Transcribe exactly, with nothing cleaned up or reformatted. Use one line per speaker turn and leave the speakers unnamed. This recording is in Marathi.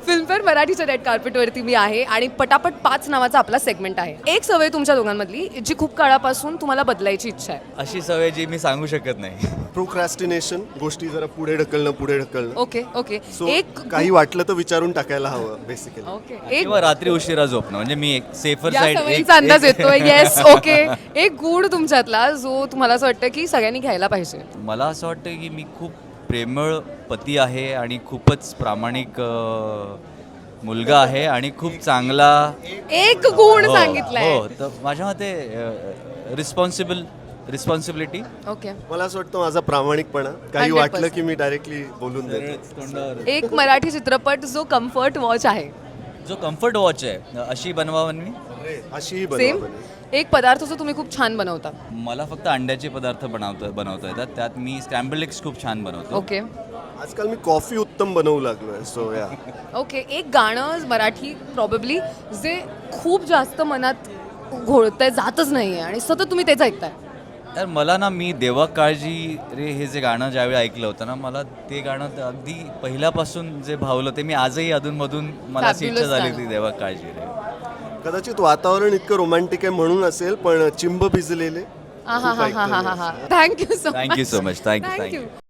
फिल्मफेअर मराठीच्या रेड कार्पेटवरती मी आहे आणि पटापट पाच नावाचा आपला सेगमेंट आहे. एक सवय तुमच्या दोघांमधली जी खूप काळापासून तुम्हाला बदलायची इच्छा आहे.
अशी सवय जी मी सांगू शकत नाही.
प्रोक्रॅस्टिनेशन, गोष्टी जरा पुढे ढकलणं पुढे ढकलणं.
ओके ओके
सो
एक
काही वाटलं तर विचारून टाकायला हवं बेसिकली.
ओके एक
किंवा रात्री उशिरा झोपणं म्हणजे मी एक सेफर
या
साईड
सवयीचा अंदाज येतोय. Yes okay. एक गुण तुमच्यातला जो तुम्हाला असं वाटतं की सगळ्यांनी घ्यायला पाहिजे.
मला असं वाटतं की मी खूप प्रेमळ पती आहे आणि खूपच प्रामाणिक अ, मुलगा आहे आणि खूप चांगला
एक गुण
हो,
सांगितलाय.
हो तर माझ्या मते रिस्पॉन्सिबल रिस्पॉन्सिबिलिटी
ओके.
मला असं वाटतं माझा प्रामाणिकपणा. काही
हंड्रेड
वाटलं
पर्सेंट.
की मी डायरेक्टली बोलून देतो.
तोंडावर
एक मराठी चित्रपट जो कम्फर्ट वॉच आहे.
जो कम्फर्ट वॉच आहे अशी बनवा मी
अशीही
सेम.
बनवा बने.
एक पदार्थ जो तुम्ही खूप छान बनवता.
मला फक्त अंड्याचे पदार्थ बनवता बनवता येतात. त्यात मी स्क्रॅम्बल एग्स खूप छान बनवतो.
ओके
आजकाल मी कॉफी उत्तम बनवू लागलोय. सो या
ओके. एक गाणं मराठी प्रॉबेबली जे खूप जास्त मनात घोळतंय जातच नाहीये आणि सतत तुम्ही तेच ऐकताय.
तर मला ना मी देवा काळजी रे हे जे गाणं ज्यावेळी ऐकलं होतं ना मला ते गाणं तर अगदी पहिल्यापासून जे भावलं ते मी आजही अधूनमधून मला अशी इच्छा
Fabulous
झाली
गाणं.
होती देवा काळजी रे.
कदाचित वातावरण इतकं रोमॅन्टिक आहे म्हणून असेल, पण चिंब भिजलेले
हा हा हा हा हा हा. Thank you so
thank you so much thank you
thank you.
Thank you